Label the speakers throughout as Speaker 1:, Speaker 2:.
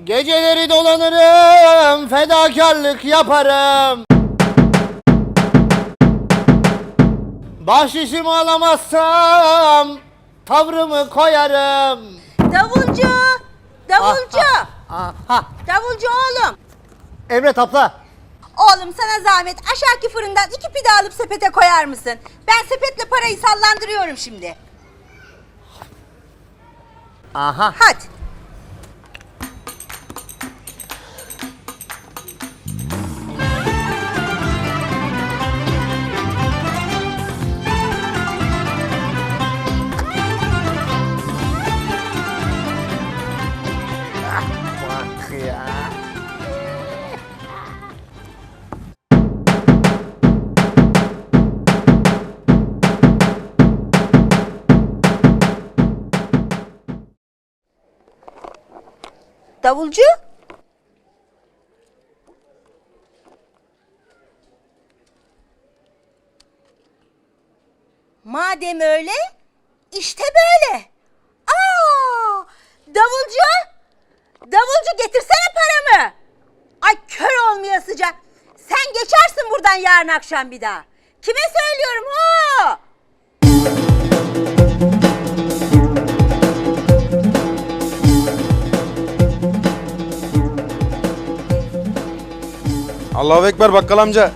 Speaker 1: Geceleri dolanırım, fedakarlık yaparım. Bahşişimi alamazsam tavrımı koyarım.
Speaker 2: Davulcu! Davulcu!
Speaker 1: Aha.
Speaker 2: Davulcu oğlum!
Speaker 1: Emret abla.
Speaker 2: Oğlum sana zahmet aşağıki fırından 2 pide alıp sepete koyar mısın? Ben sepetle parayı sallandırıyorum şimdi.
Speaker 1: Aha.
Speaker 2: Hadi.
Speaker 1: Bak ya.
Speaker 2: Davulcu? Madem öyle, işte böyle. Aa! Davulcu! Davulcu getirsene paramı. Ay kör olmayasıca. Sen geçersin buradan yarın akşam bir daha. Kime söylüyorum ho?
Speaker 3: Allahu Ekber bakkal amca.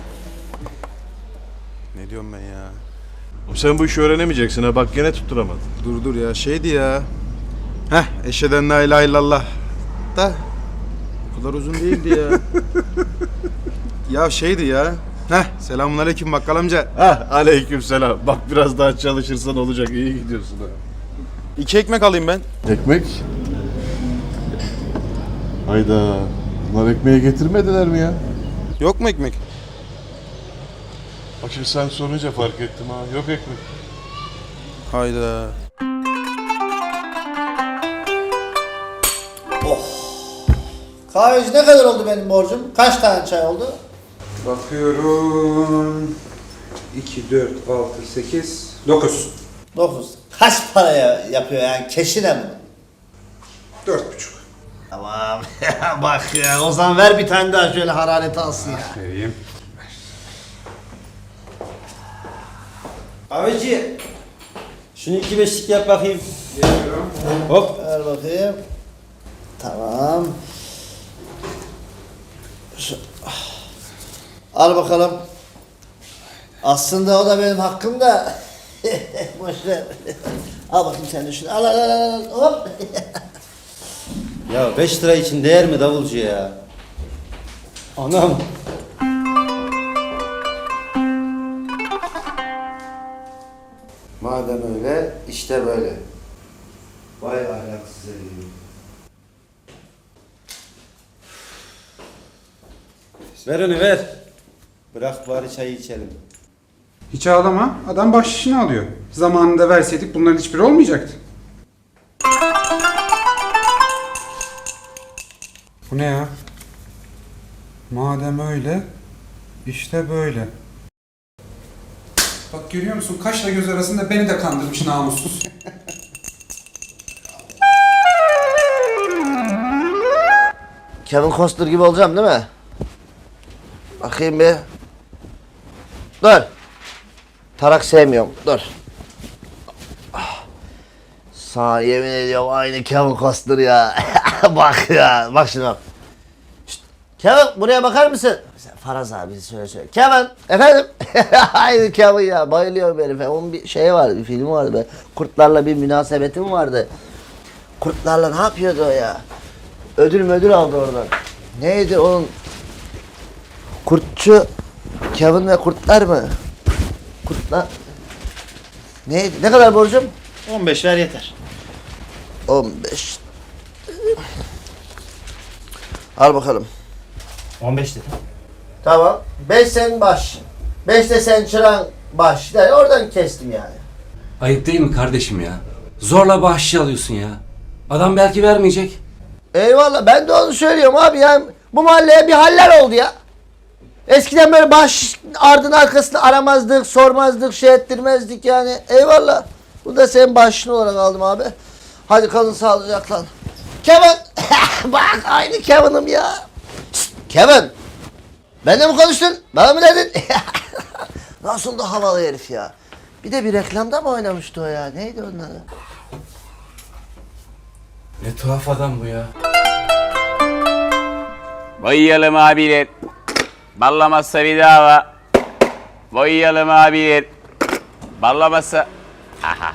Speaker 3: Ne diyorum ben ya?
Speaker 4: Sen bu işi öğrenemeyeceksin ha, bak gene tutturamadın.
Speaker 3: Dur ya şeydi ya. Eşheden la ilahe illallah. Da o kadar uzun değildi ya. Ya şeydi ya. Selamünaleyküm bakkal amca.
Speaker 4: Aleykümselam. Bak biraz daha çalışırsan olacak, iyi gidiyorsun ha.
Speaker 3: 2 ekmek alayım ben.
Speaker 4: Ekmek? Hayda. Bunlar ekmeği getirmediler mi ya?
Speaker 3: Yok mu ekmek?
Speaker 4: Bak şimdi sen sorunca fark ettim ha. Yok ekmek.
Speaker 3: Hayda.
Speaker 1: Kahveci ne kadar oldu benim borcum? Kaç tane çay oldu?
Speaker 5: Bakıyorum. 2, 4, 6, 8, 9.
Speaker 1: 9. Kaç paraya yapıyor yani? Keşine mi?
Speaker 5: 4,5.
Speaker 1: Tamam. Bak ya, o zaman ver bir tane daha şöyle harareti alsın ya.
Speaker 5: Vereyim.
Speaker 6: Kahveci, şunu 2-5'lik yap bakayım.
Speaker 5: Geliyorum.
Speaker 6: Hop.
Speaker 1: Ver bakayım. Tamam. Al bakalım. Aslında o da benim hakkım da. Boş ver. Al bakayım sen de şunu. Al. Hop.
Speaker 6: Ya 5 lira için değer mi davulcu ya? Anam.
Speaker 1: Madem öyle, işte böyle. Vay ahlaksız herif.
Speaker 6: Ver onu ver. Bırak bari çayı içelim.
Speaker 5: Hiç ağlama. Adam bahşişini alıyor. Zamanında verseydik bunların hiçbiri olmayacaktı. Bu ne ya? Madem öyle, işte böyle. Bak görüyor musun? Kaşla göz arasında beni de kandırmış namussuz.
Speaker 1: Kevin Costner gibi olacağım değil mi? Bakayım bir. Dur. Tarak sevmiyorum. Dur. Sana yemin ediyorum aynı Kevin Costner ya. Bak ya. Bak şimdi bak. Şşt. Kevin buraya bakar mısın? Faraz abi söyle. Kevin. Efendim? Aynı Kevin ya. Bayılıyorum herife. Onun bir şey vardı. Bir filmi vardı. Be. Kurtlarla bir münasebetim vardı. Kurtlarla ne yapıyordu o ya? Ödül aldı oradan. Neydi onun? Kurtçu Kevin ve kurtlar mı? Kurtlar. Neydi? Ne kadar borcum?
Speaker 6: 15 ver yeter.
Speaker 1: 15. Al bakalım.
Speaker 6: 15 dedim.
Speaker 1: Tamam. 5 sen baş. 5 de sen çıran baş. Yani oradan kestim yani.
Speaker 7: Ayıp değil mi kardeşim ya? Zorla bahşiş alıyorsun ya. Adam belki vermeyecek.
Speaker 1: Eyvallah, ben de onu söylüyorum abi yani bu mahalleye bir haller oldu ya. Eskiden böyle baş ardın arkasını aramazdık, sormazdık, şey ettirmezdik yani. Eyvallah. Bu da senin başın olarak aldım abi. Hadi kalın sağlıcakla. Kevin. Bak aynı Kevin'im ya. Şşt, Kevin. Benimle mi konuştun? Bana mı dedin? Nasıl da havalı herif ya. Bir de bir reklamda mı oynamıştı o ya? Neydi onun adı?
Speaker 7: Ne tuhaf adam bu ya.
Speaker 8: Boyayalım abiler. Ballamazsa bir dava. Boyayalım abiler. Ballamazsa... Aha.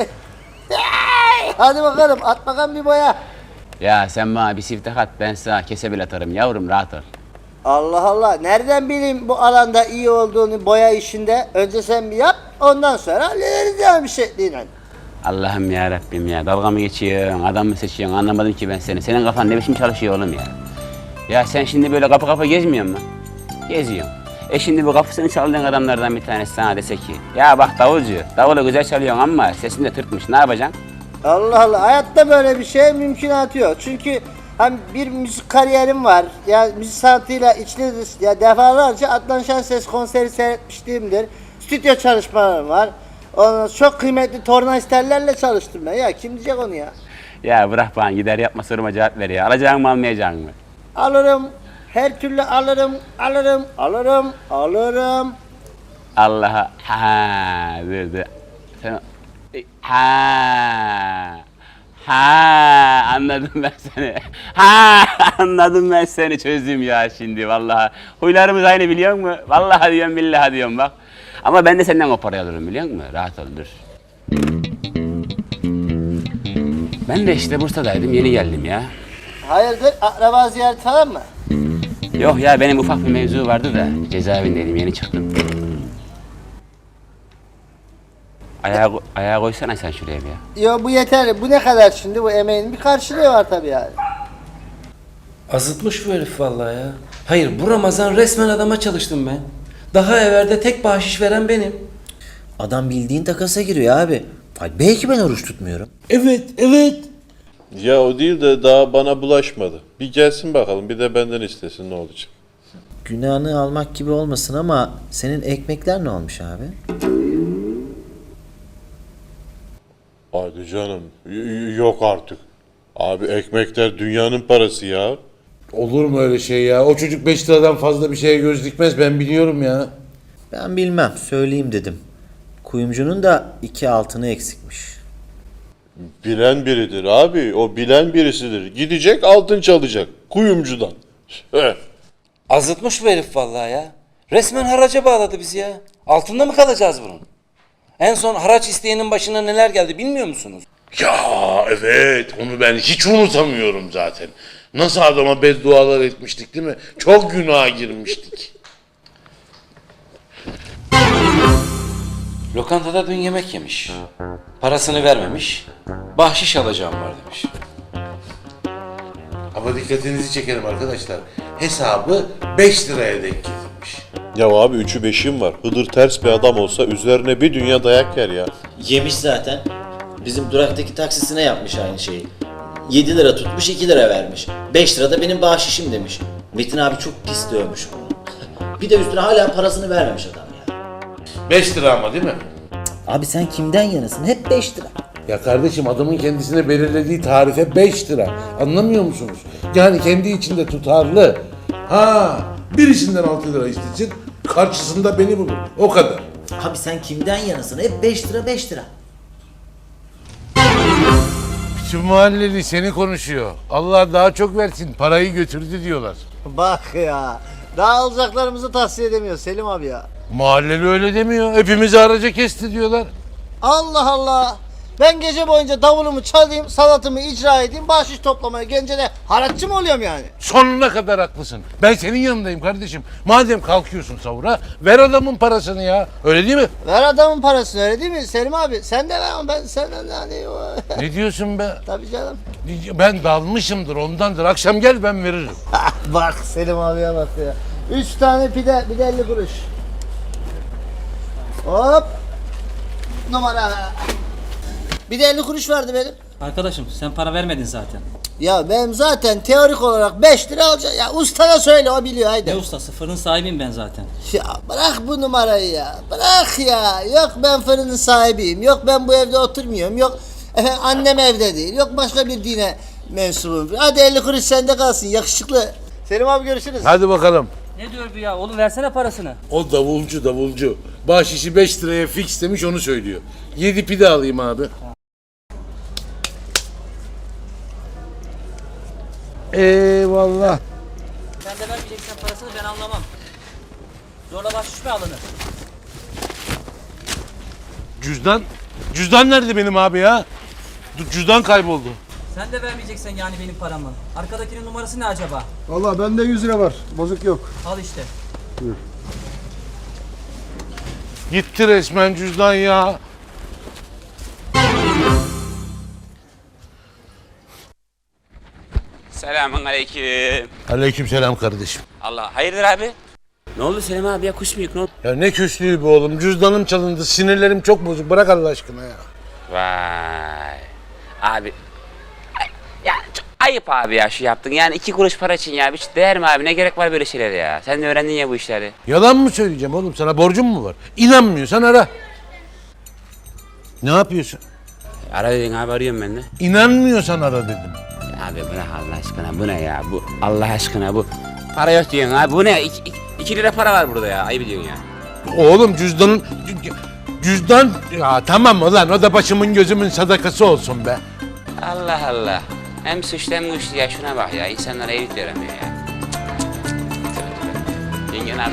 Speaker 1: Hadi bakalım at bakalım bir boya.
Speaker 8: Ya sen bana bir siftah at, ben sana kesebil atarım yavrum, rahat ol.
Speaker 1: Allah Allah. Nereden bileyim bu alanda iyi olduğunu boya işinde? Önce sen bir yap, ondan sonra hallederiz yani bir şekliyle.
Speaker 8: Allah'ım ya Rabbim ya, dalga mı geçiyorsun, adam mı seçiyorsun, anlamadım ki ben seni. Senin kafan ne biçim çalışıyor oğlum ya? Ya sen şimdi böyle kapı kapı gezmiyor musun? Geziyorum. Şimdi bu kapısını çaldığın adamlardan bir tanesi sana dese ki, ya bak davulcu, davulu güzel çalıyorsun ama sesin de Türkmüş, ne yapacaksın?
Speaker 1: Allah Allah. Hayatta böyle bir şey mümkünatı yok. Çünkü hem bir müzik kariyerim var. Ya müzik sanatıyla içli dışlı. Ya defalarca Adnan Şenses konseri seyretmişliğimdir. Stüdyo çalışmalarım var. Ondan çok kıymetli tornavistlerle çalıştım ben. Ya kim diyecek onu ya?
Speaker 8: Ya bırak bana, gider yapma, soruma cevap ver ya. Alacağın mı almayacağın mı?
Speaker 1: Alırım. Her türlü alırım. Alırım.
Speaker 8: Allah'a ha dur. Sen ha anladım ben seni. Ha anladım ben seni, çözdüm ya şimdi vallahi. Huylarımız aynı biliyor musun? Vallahi diyorum, billahi diyorum bak. Ama ben de senden o parayı alırım biliyor musun? Rahat ol, dur. Ben de işte Bursa'daydım, yeni geldim ya.
Speaker 1: Hayırdır? Akraba ziyareti falan mı?
Speaker 8: Yok ya, benim ufak bir mevzu vardı da cezaevindeydim, yeni çıktım. Ayağa koysana sen şuraya bir ya.
Speaker 1: Yo bu yeterli. Bu ne kadar şimdi? Bu emeğin bir karşılığı var tabii yani.
Speaker 7: Azıtmış bu herif vallahi ya. Hayır, bu Ramazan resmen adama çalıştım ben. Daha evvelde tek bahşiş veren benim.
Speaker 6: Adam bildiğin takasa giriyor abi. Ay, belki ben oruç tutmuyorum.
Speaker 7: Evet.
Speaker 4: Ya o değil de daha bana bulaşmadı. Bir gelsin bakalım, bir de benden istesin, ne olacak?
Speaker 6: Günahını almak gibi olmasın ama senin ekmekler ne olmuş abi?
Speaker 4: Hadi canım, yok artık. Abi ekmekler dünyanın parası ya.
Speaker 9: Olur mu öyle şey ya? O çocuk 5 liradan fazla bir şeye göz dikmez, ben biliyorum ya.
Speaker 6: Ben bilmem, söyleyeyim dedim. Kuyumcunun da 2 altını eksikmiş.
Speaker 4: Bilen biridir abi, o bilen birisidir. Gidecek altın çalacak, kuyumcudan.
Speaker 7: Azıtmış bu herif vallahi ya. Resmen haraca bağladı bizi ya. Altında mı kalacağız bunun? En son haraç isteyenin başına neler geldi bilmiyor musunuz?
Speaker 9: Ya evet, onu ben hiç unutamıyorum zaten. Nasıl adama beddualar etmiştik değil mi? Çok günaha girmiştik.
Speaker 7: Lokantada dün yemek yemiş. Parasını vermemiş. Bahşiş alacağım var demiş.
Speaker 9: Ama dikkatinizi çekerim arkadaşlar. Hesabı 5 liraya denk getirmiş.
Speaker 4: Ya abi 3'ü 5'im var. Hıdır ters bir adam olsa üzerine bir dünya dayak yer ya.
Speaker 6: Yemiş zaten. Bizim duraktaki taksisine yapmış aynı şeyi. 7 lira tutmuş, 2 lira vermiş. 5 lira da benim bahşişim demiş. Metin abi çok pis dövmüş bunu. Bir de üstüne hala parasını vermemiş adam ya.
Speaker 9: 5 lira ama değil mi?
Speaker 6: Abi sen kimden yanasın? Hep 5 lira.
Speaker 9: Ya kardeşim, adamın kendisine belirlediği tarife 5 lira. Anlamıyor musunuz? Yani kendi içinde tutarlı. Ha, birisinden 6 lira istesin, karşısında beni bulur. O kadar.
Speaker 6: Abi sen kimden yanasın? Hep 5 lira 5 lira.
Speaker 9: Şu mahalleli seni konuşuyor. Allah daha çok versin, parayı götürdü diyorlar.
Speaker 1: Bak ya. Daha alacaklarımızı tahsil edemiyor Selim abi ya.
Speaker 9: Mahalleli öyle demiyor. Hepimizi araca kesti diyorlar.
Speaker 1: Allah Allah. Ben gece boyunca davulumu çalayım, sanatımı icra edeyim, bahşiş toplamaya gelince de haraççı mı oluyorum yani?
Speaker 9: Sonuna kadar haklısın. Ben senin yanındayım kardeşim. Madem kalkıyorsun sahura, ver adamın parasını ya. Öyle değil mi?
Speaker 1: Ver adamın parasını, öyle değil mi Selim abi? Sen de ver ama ben senden hani...
Speaker 9: Ne diyorsun be?
Speaker 1: Tabii canım.
Speaker 9: Ben dalmışımdır, ondandır. Akşam gel, ben veririm.
Speaker 1: Bak Selim abiye bak ya. 3 tane pide, bir de 50 kuruş. Hop. Numara. Bir de 50 kuruş vardı benim.
Speaker 10: Arkadaşım sen para vermedin zaten.
Speaker 1: Ya benim zaten teorik olarak 5 lira alacak. Ya ustana söyle, o biliyor haydi.
Speaker 10: Ne ustası, fırın sahibiyim ben zaten.
Speaker 1: Ya bırak bu numarayı ya. Bırak ya. Yok ben fırının sahibiyim. Yok ben bu evde oturmuyorum. Yok efendim annem evde değil. Yok başka bir dine mensubum. Hadi 50 kuruş sende kalsın yakışıklı. Selim abi görüşürüz.
Speaker 9: Hadi bakalım.
Speaker 10: Ne diyor bu ya? Oğlum versene parasını.
Speaker 9: O davulcu. Bahşişi 5 liraya fix demiş onu söylüyor. 7 pide alayım abi. Eyvallah.
Speaker 10: Sen de vermeyeceksen parasını ben anlamam. Zorla bahşiş mi alınır?
Speaker 9: Cüzdan nerede benim abi ya? Cüzdan kayboldu.
Speaker 10: Sen de vermeyeceksen yani benim paramı. Arkadakinin numarası ne acaba?
Speaker 3: Vallahi bende 100 lira var. Bozuk yok.
Speaker 10: Al işte.
Speaker 9: Gitti resmen cüzdan ya.
Speaker 8: Selamun aleyküm.
Speaker 9: Aleykümselam kardeşim.
Speaker 8: Allah hayırdır abi? Ne oldu Selim abi ya kuş mu yük ne oldu?
Speaker 9: Ya ne küslüğü be oğlum. Cüzdanım çalındı. Sinirlerim çok bozuk. Bırak Allah aşkına ya.
Speaker 8: Vay. Abi. Ya çok ayıp abi ya şu yaptın. Yani 2 kuruş para için ya. Hiç değer mi abi? Ne gerek var böyle şeylere ya? Sen de öğrendin ya bu işleri.
Speaker 9: Yalan mı söyleyeceğim oğlum? Sana borcum mu var? İnanmıyorsan ara. Ne yapıyorsun?
Speaker 8: Ara dedin abi arıyorum ben de.
Speaker 9: İnanmıyorsan ara dedim.
Speaker 8: Abi bırak Allah aşkına bu ne ya? Bu Allah aşkına bu. Para yok diyorsun abi. Bu ne? 2 lira para var burada ya. Ayıp ediyorsun ya.
Speaker 9: Oğlum cüzdan ya tamam ulan o da başımın gözümün sadakası olsun be.
Speaker 8: Allah Allah. Hem suçlu hem güçlü ya şuna bak ya. İnsanlara eğitim yaramıyor ya. Yengen abi.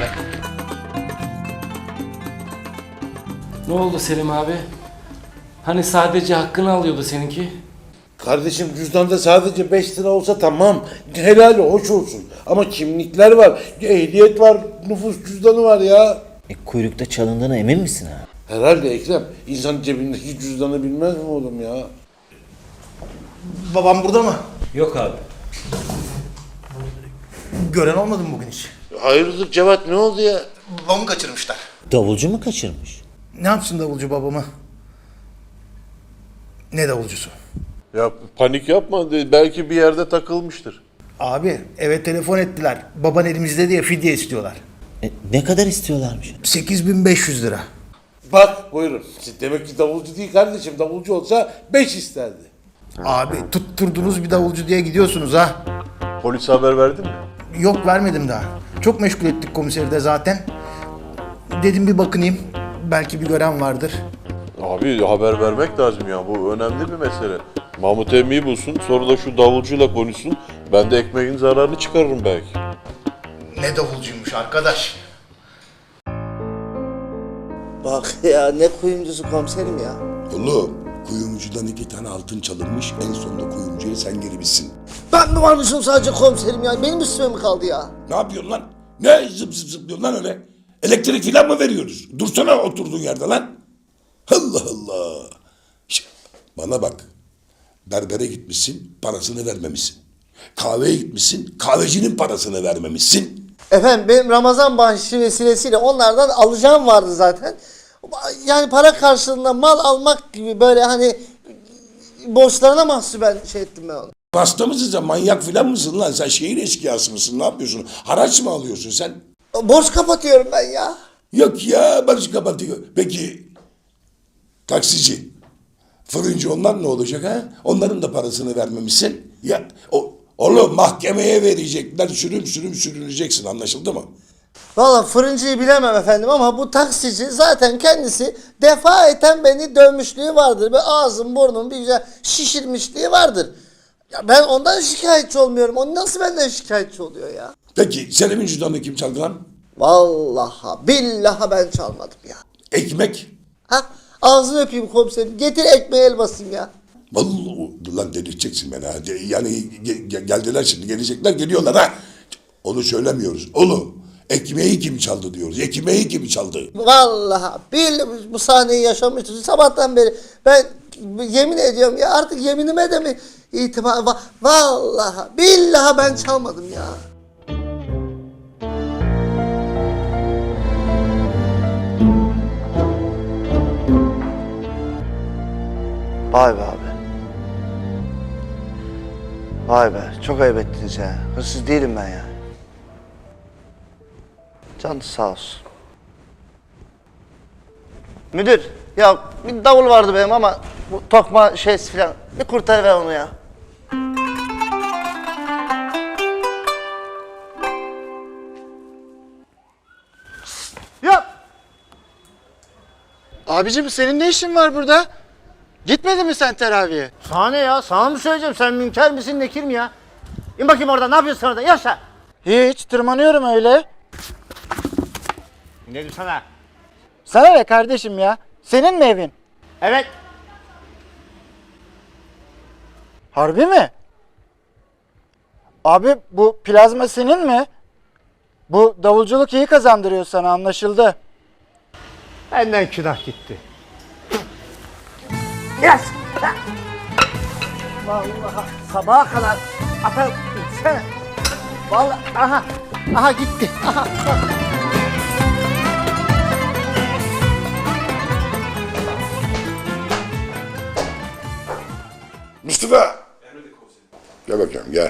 Speaker 11: Ne oldu Selim abi? Hani sadece hakkını alıyordu seninki?
Speaker 9: Kardeşim cüzdanda sadece 5 lira olsa tamam. Helal hoş olsun. Ama kimlikler var, ehliyet var, nüfus cüzdanı var ya.
Speaker 6: Kuyrukta çalındığına emin misin ha?
Speaker 9: Herhalde Ekrem. İnsan cebindeki cüzdanı bilmez mi oğlum ya?
Speaker 1: Babam burada mı?
Speaker 11: Yok abi.
Speaker 1: Gören olmadı mı bugün hiç?
Speaker 9: Hayırdır Cevat ne oldu ya?
Speaker 1: Babamı kaçırmışlar.
Speaker 6: Davulcu mu kaçırmış?
Speaker 1: Ne yapsın davulcu babamı? Ne davulcusu?
Speaker 4: Ya panik yapma. Belki bir yerde takılmıştır.
Speaker 1: Abi eve telefon ettiler. Baban elimizde diye fidye istiyorlar.
Speaker 6: Ne kadar istiyorlarmış?
Speaker 1: 8500 lira.
Speaker 9: Bak buyurun. Demek ki davulcu değil kardeşim. Davulcu olsa 5 isterdi.
Speaker 1: Abi tutturdunuz bir davulcu diye gidiyorsunuz ha.
Speaker 4: Polise haber verdin mi?
Speaker 1: Yok vermedim daha. Çok meşgul ettik komiseri de zaten. Dedim bir bakınayım. Belki bir gören vardır.
Speaker 4: Abi haber vermek lazım ya. Bu önemli bir mesele. Mahmut emmiyi bulsun. Sonra da şu davulcuyla konuşsun. Ben de ekmeğin zararını çıkarırım belki.
Speaker 1: Ne davulcuymuş arkadaş. Bak ya ne kuyumcusu komiserim ya.
Speaker 12: Oğlum kuyumcudan 2 tane altın çalınmış, en sonunda kuyumcuya sen girmişsin.
Speaker 1: Ben mi varmışım sadece komiserim ya? Benim üstüme mi kaldı ya?
Speaker 12: Ne yapıyorsun lan? Ne zıp zıp zıplıyorsun lan öyle? Elektrik filan mı veriyoruz? Dursana oturduğun yerde lan. Allah Allah. Bana bak. Berbere gitmişsin, parasını vermemişsin. Kahveye gitmişsin, kahvecinin parasını vermemişsin.
Speaker 1: Efendim benim Ramazan bahşişi vesilesiyle onlardan alacağım vardı zaten. Yani para karşılığında mal almak gibi böyle hani borçlarına mahsuben şey ettim ben onu.
Speaker 12: Hasta mısın sen? Manyak filan mısın lan? Sen şehir eşkıyası mısın? Ne yapıyorsun? Haraç mı alıyorsun sen?
Speaker 1: Borç kapatıyorum ben ya.
Speaker 12: Yok ya, barış kapatıyor. Peki taksici, fırıncı onlar ne olacak ha? Onların da parasını vermemişsin. Ya oğlum mahkemeye verecekler, sürüm sürüneceksin, anlaşıldı mı?
Speaker 1: Valla fırıncıyı bilemem efendim ama bu taksici zaten kendisi defaeten beni dövmüşlüğü vardır. Ve ağzım burnum bir güzel şişirmişliği vardır. Ya ben ondan şikayetçi olmuyorum. O nasıl benden şikayetçi oluyor ya?
Speaker 12: Peki senin cüzdanını kim çaldı lan?
Speaker 1: Vallahi billahi ben çalmadım ya.
Speaker 12: Ekmek?
Speaker 1: Ha ağzını öpeyim komiserim. Getir ekmeği el basayım ya.
Speaker 12: Vallahi lan delirteceksin beni ha. Yani geldiler şimdi, gelecekler, geliyorlar ha. Onu söylemiyoruz. Oğlum ekmeği kim çaldı diyoruz. Ekmeği kim çaldı?
Speaker 1: Vallahi billahi bu sahneyi yaşamıştım sabahtan beri. Ben yemin ediyorum ya artık yeminime de mi itibar... Vallahi billahi ben çalmadım ya. Vay be abi. Vay be çok ayıp ettiniz ya. Hırsız değilim ben ya. Canı sağ olsun. Müdür ya bir davul vardı benim ama bu tokma şeysi falan bir kurtarıver onu ya.
Speaker 3: Abicim senin ne işin var burada? Gitmedin mi sen teraviye?
Speaker 1: Sana ne ya? Sana mı söyleyeceğim? Sen münker misin, nekir mi ya? İn bakayım oradan. Ne yapıyorsun orada? Yaşa.
Speaker 3: Hiç, tırmanıyorum öyle.
Speaker 1: Ne diyor sana?
Speaker 3: Sana ne kardeşim ya? Senin mi evin?
Speaker 1: Evet.
Speaker 3: Harbi mi? Abi bu plazma senin mi? Bu davulculuk iyi kazandırıyor sana, anlaşıldı.
Speaker 1: Benden günah gitti. Yes. Vallahi sabaha kadar atar gitsene. Vallahi aha gitti. Aha.
Speaker 12: Mustafa! Gel bakayım gel.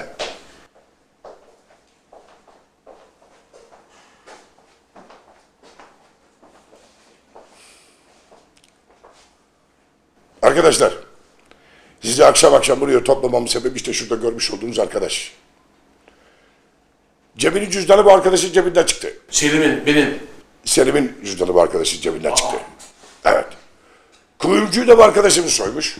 Speaker 12: Arkadaşlar, sizi akşam akşam buraya toplamamın sebebi işte şurada görmüş olduğunuz arkadaş. Cemil'in cüzdanı bu arkadaşın cebinden çıktı.
Speaker 9: Benim.
Speaker 12: Selim'in cüzdanı bu arkadaşın cebinden çıktı. Evet. Kuyumcuyu da bu arkadaşımız soymuş.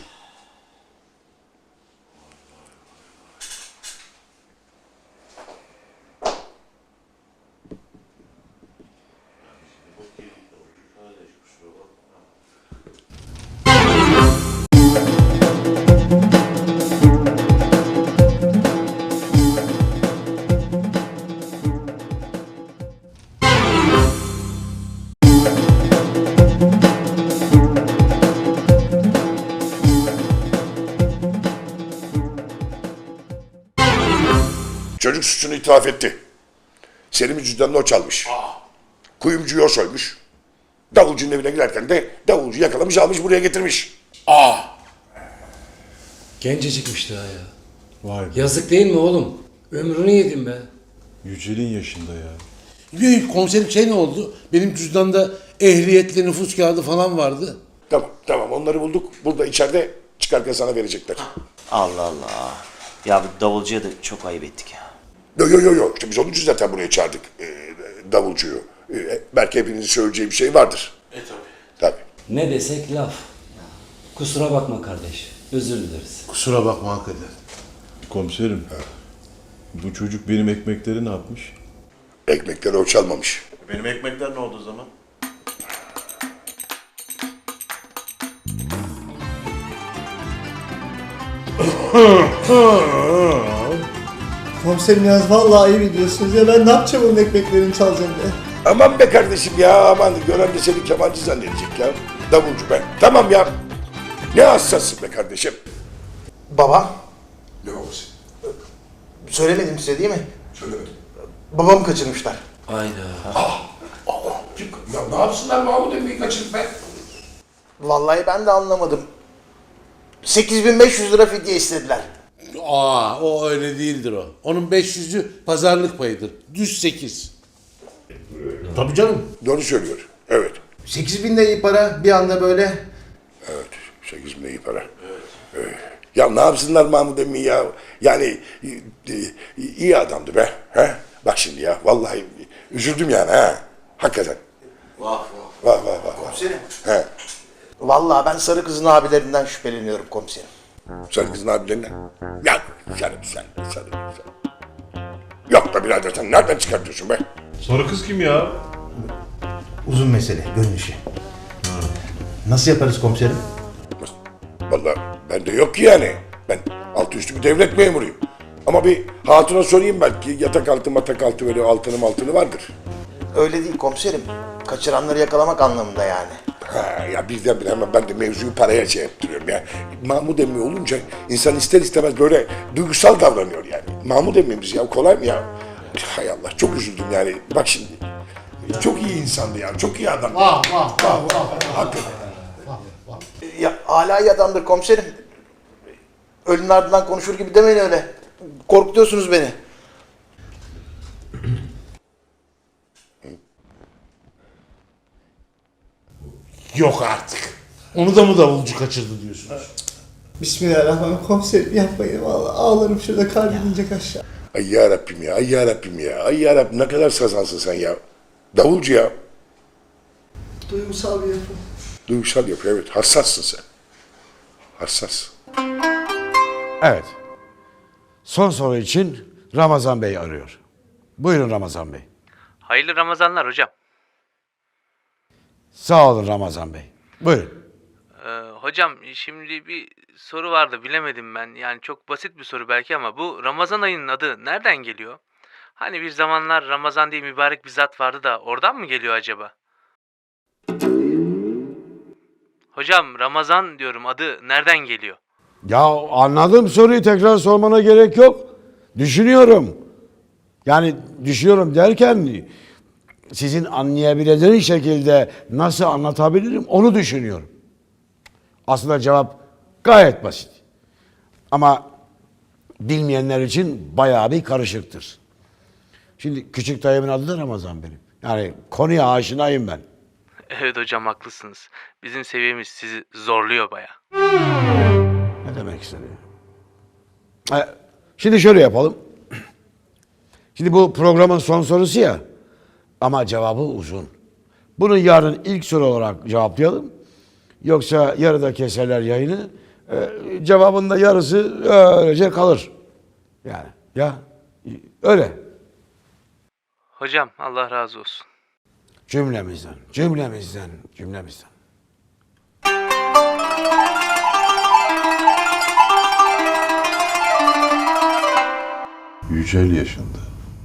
Speaker 12: Çocuk suçunu itiraf etti. Selim'in cüzdanını o çalmış. Kuyumcuyu o soymuş. Davulcunun evine girerken de davulcu yakalamış almış buraya getirmiş.
Speaker 11: Gencecikmiş daha ya.
Speaker 9: Vay be.
Speaker 11: Yazık değil mi oğlum? Ömrünü yedim be.
Speaker 9: Yücel'in yaşında ya. Komiserim ne oldu? Benim cüzdanda ehliyetli nüfus kağıdı falan vardı.
Speaker 12: Tamam onları bulduk. Burada içeride çıkarken sana verecekler.
Speaker 6: Allah Allah. Ya bu davulcuya da çok ayıp ettik ya.
Speaker 12: Yo. İşte biz onun için zaten buraya çağırdık davulcuyu. Belki hepinizin söyleyeceği bir şey vardır. Tabii.
Speaker 11: Ne desek laf. Kusura bakma kardeş. Özür dileriz.
Speaker 9: Kusura bakma hakikaten.
Speaker 4: Komiserim. Bu çocuk benim ekmekleri ne yapmış?
Speaker 12: Ekmekleri o çalmamış.
Speaker 4: Benim ekmekler ne oldu o zaman?
Speaker 1: Komiserim yalnız vallahi ayıp ediyorsunuz ya. Ben ne yapacağım onun ekmeklerini çalacağım diye.
Speaker 12: Aman be kardeşim ya aman. Gören de seni kemancı zannedecek ya. Davulcu ben. Tamam ya. Ne hassassın be kardeşim.
Speaker 13: Baba,
Speaker 12: Ne babası?
Speaker 13: söylemedim size değil mi?
Speaker 12: Söylemedim.
Speaker 13: Babamı kaçırmışlar.
Speaker 11: Hayda.
Speaker 12: Ya ne yapsınlar Mahmut Emre'yi kaçırıp be?
Speaker 13: Vallahi ben de anlamadım. 8.500 lira fidye istediler.
Speaker 9: O öyle değildir o. Onun 500'ü pazarlık payıdır. Düz 8. Tabii canım.
Speaker 12: Doğru söylüyor. Evet.
Speaker 13: 8.000 de iyi para bir anda böyle.
Speaker 12: Evet. 8 bin iyi para. Evet. Ya ne yapsınlar Mahmut Emmi ya? Yani iyi adamdı be. He? Bak şimdi ya vallahi üzüldüm yani ha. Hakikaten. Vah.
Speaker 13: Komiserim.
Speaker 12: He.
Speaker 13: Vallahi ben sarı kızın abilerinden şüpheleniyorum komiserim.
Speaker 12: Sen kızın abilerinden. Ya sen. Yok be birader sen nereden çıkartıyorsun be?
Speaker 4: Sarı kız kim ya?
Speaker 13: Uzun mesele, gönül işi. Nasıl yaparız komiserim?
Speaker 12: Vallahi bende yok ki yani. Ben altı üstü bir devlet memuruyum. Ama bir hatuna sorayım belki yatak altı böyle altını vardır.
Speaker 13: Öyle değil komiserim. Kaçıranları yakalamak anlamında yani.
Speaker 12: Ha, ya birdenbire hemen ben de mevzuyu paraya şey yaptırıyorum ya. Mahmut emmi olunca insan ister istemez böyle duygusal davranıyor yani. Mahmut emmimiz ya kolay mı ya? Hay Allah çok üzüldüm yani. Bak şimdi çok iyi insandı ya. Çok iyi adam.
Speaker 9: Vah.
Speaker 12: Hakikaten.
Speaker 13: Ya hala iyi adamdır komiserim. Ölünün ardından konuşur gibi demeyin öyle. Korkutuyorsunuz beni.
Speaker 9: Yok artık. Onu da mı davulcu kaçırdı diyorsunuz?
Speaker 1: Bismillahirrahmanirrahim. Komiserim yapmayın. Vallahi ağlarım şurada kalbim inecek aşağı.
Speaker 12: Ay yarabbim ya. Ay yarabbim ne kadar sazansın sen ya. Davulcu ya.
Speaker 1: Duygusal bir yapı.
Speaker 12: Duygusal yapı, evet. Hassassın sen. Hassas.
Speaker 14: Evet. Son soru için Ramazan Bey arıyor. Buyurun Ramazan Bey.
Speaker 15: Hayırlı Ramazanlar hocam.
Speaker 14: Sağ olun Ramazan Bey. Buyurun.
Speaker 15: Hocam şimdi bir soru vardı bilemedim ben. Yani çok basit bir soru belki ama bu Ramazan ayının adı nereden geliyor? Hani bir zamanlar Ramazan diye mübarek bir zat vardı da oradan mı geliyor acaba? Hocam Ramazan diyorum adı nereden geliyor?
Speaker 14: Ya anladım, soruyu tekrar sormana gerek yok. Düşünüyorum. Yani düşünüyorum derken sizin anlayabileceğiniz şekilde nasıl anlatabilirim onu düşünüyorum. Aslında cevap gayet basit. Ama bilmeyenler için bayağı bir karışıktır. Şimdi küçük dayımın adı da Ramazan benim. Yani konuya aşinayım ben.
Speaker 15: Evet hocam haklısınız. Bizim seviyemiz sizi zorluyor baya.
Speaker 14: Ne demek istediğim? Şimdi şöyle yapalım. Şimdi bu programın son sorusu ya. Ama cevabı uzun. Bunu yarın ilk soru olarak cevaplayalım. Yoksa yarıda keserler yayını. Cevabın da yarısı öylece kalır. Yani ya öyle.
Speaker 15: Hocam Allah razı olsun.
Speaker 14: Cümlemizden, cümlemizden, cümlemizden.
Speaker 4: Yücel yaşında.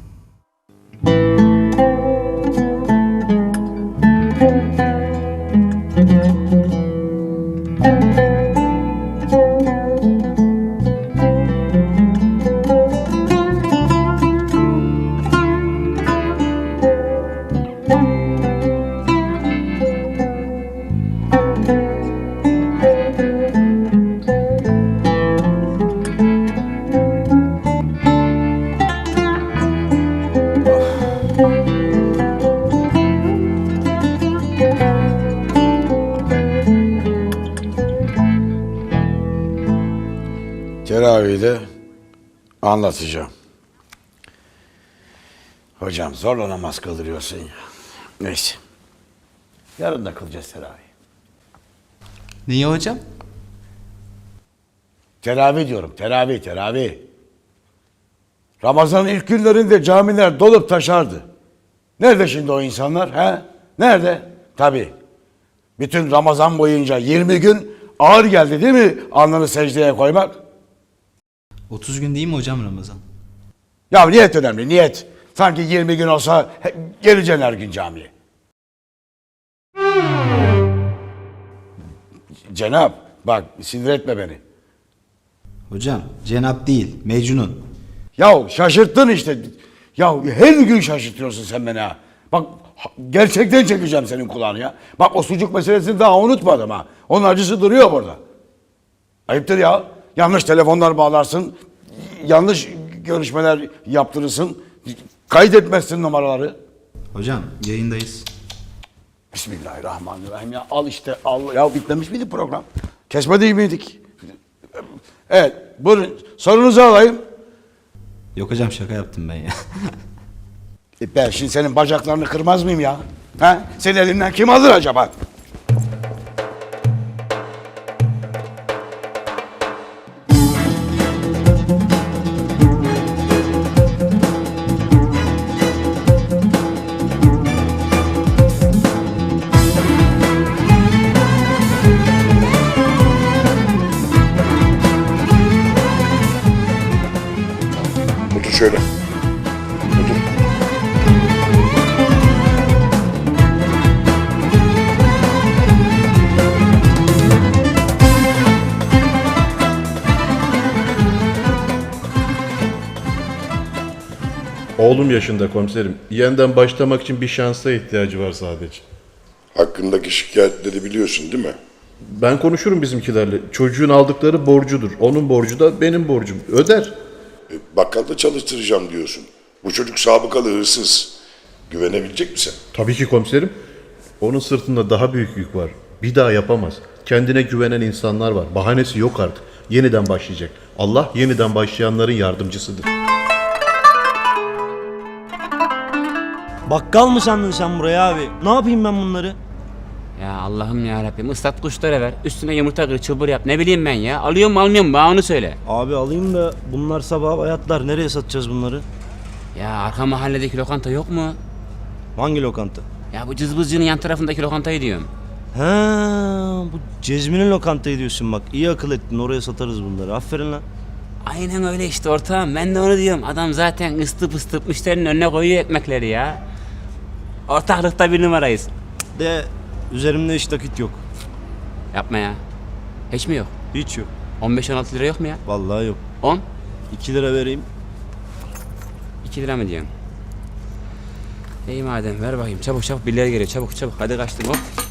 Speaker 14: Teravih'de anlatacağım. Hocam zorla namaz kıldırıyorsun ya. Neyse. Yarın da kılacağız teravih.
Speaker 16: Niye hocam?
Speaker 14: Teravih diyorum. Teravih. Ramazan'ın ilk günlerinde camiler dolup taşardı. Nerede şimdi o insanlar? He? Nerede? Tabii. Bütün Ramazan boyunca 20 gün ağır geldi değil mi alnını secdeye koymak?
Speaker 16: 30 gün değil mi hocam Ramazan?
Speaker 14: Ya niyet önemli, niyet. Sanki 20 gün olsa geleceksin her gün camiye. Cenap, bak sinir etme beni.
Speaker 16: Hocam Cenap değil, Mecnun.
Speaker 14: Ya şaşırttın işte. Ya her gün şaşırtıyorsun sen beni ha. Bak gerçekten çekeceğim senin kulağını ya. Bak o sucuk meselesini daha unutmadım ha. Onun acısı duruyor burada. Ayıptır ya. Yanlış telefonlar bağlarsın. Yanlış görüşmeler yaptırırsın. Kaydetmezsin numaraları.
Speaker 16: Hocam yayındayız.
Speaker 14: Bismillahirrahmanirrahim ya. Al işte al. Ya bitmemiş miydi program? Kesmedi miydik? Evet. Buyurun. Sorunuzu alayım.
Speaker 16: Yok hocam şaka yaptım ben ya.
Speaker 14: Ben şimdi senin bacaklarını kırmaz mıyım ya? Ha? Senin elinden kim alır acaba?
Speaker 12: Otur şöyle. Otur.
Speaker 4: Oğlum yaşında komiserim. Yeniden başlamak için bir şansa ihtiyacı var sadece.
Speaker 12: Hakkındaki şikayetleri biliyorsun değil mi?
Speaker 4: Ben konuşurum bizimkilerle. Çocuğun aldıkları borcudur. Onun borcu da benim borcum. Öder.
Speaker 12: Bakkalda çalıştıracağım diyorsun. Bu çocuk sabıkalı hırsız. Güvenebilecek misin?
Speaker 4: Tabii ki komiserim. Onun sırtında daha büyük yük var. Bir daha yapamaz. Kendine güvenen insanlar var. Bahanesi yok artık. Yeniden başlayacak. Allah yeniden başlayanların yardımcısıdır.
Speaker 17: Bakkal mı sandın sen buraya abi? Ne yapayım ben bunları?
Speaker 8: Ya Allah'ım ya Rabbim, ıslat kuşlara ver. Üstüne yumurta kır, çılbır yap. Ne bileyim ben ya. Alıyor mu almıyor mu? Bana onu söyle.
Speaker 17: Abi alayım da bunlar sabah bayatlar. Nereye satacağız bunları?
Speaker 8: Ya arka mahalledeki lokanta yok mu?
Speaker 17: Hangi lokanta?
Speaker 8: Ya bu cızbızcının yan tarafındaki lokantayı diyorum.
Speaker 17: He, bu Cezmi'nin lokantayı diyorsun bak. İyi akıl ettin, oraya satarız bunları. Aferin lan.
Speaker 8: Aynen öyle işte ortağım. Ben de onu diyorum. Adam zaten ısıtıp ısıtıp müşterinin önüne koyuyor ekmekleri ya. Ortaklıkta bir numarayız.
Speaker 17: De üzerimde hiç nakit yok.
Speaker 8: Yapma ya. Hiç mi yok?
Speaker 17: Hiç yok.
Speaker 8: 15-16 lira yok mu ya?
Speaker 17: Vallahi yok.
Speaker 8: 10?
Speaker 17: 2 lira vereyim.
Speaker 8: 2 lira mı diyorsun? İyi madem ver bakayım. Çabuk çabuk birileri geliyor. Çabuk çabuk. Hadi kaçtım hop.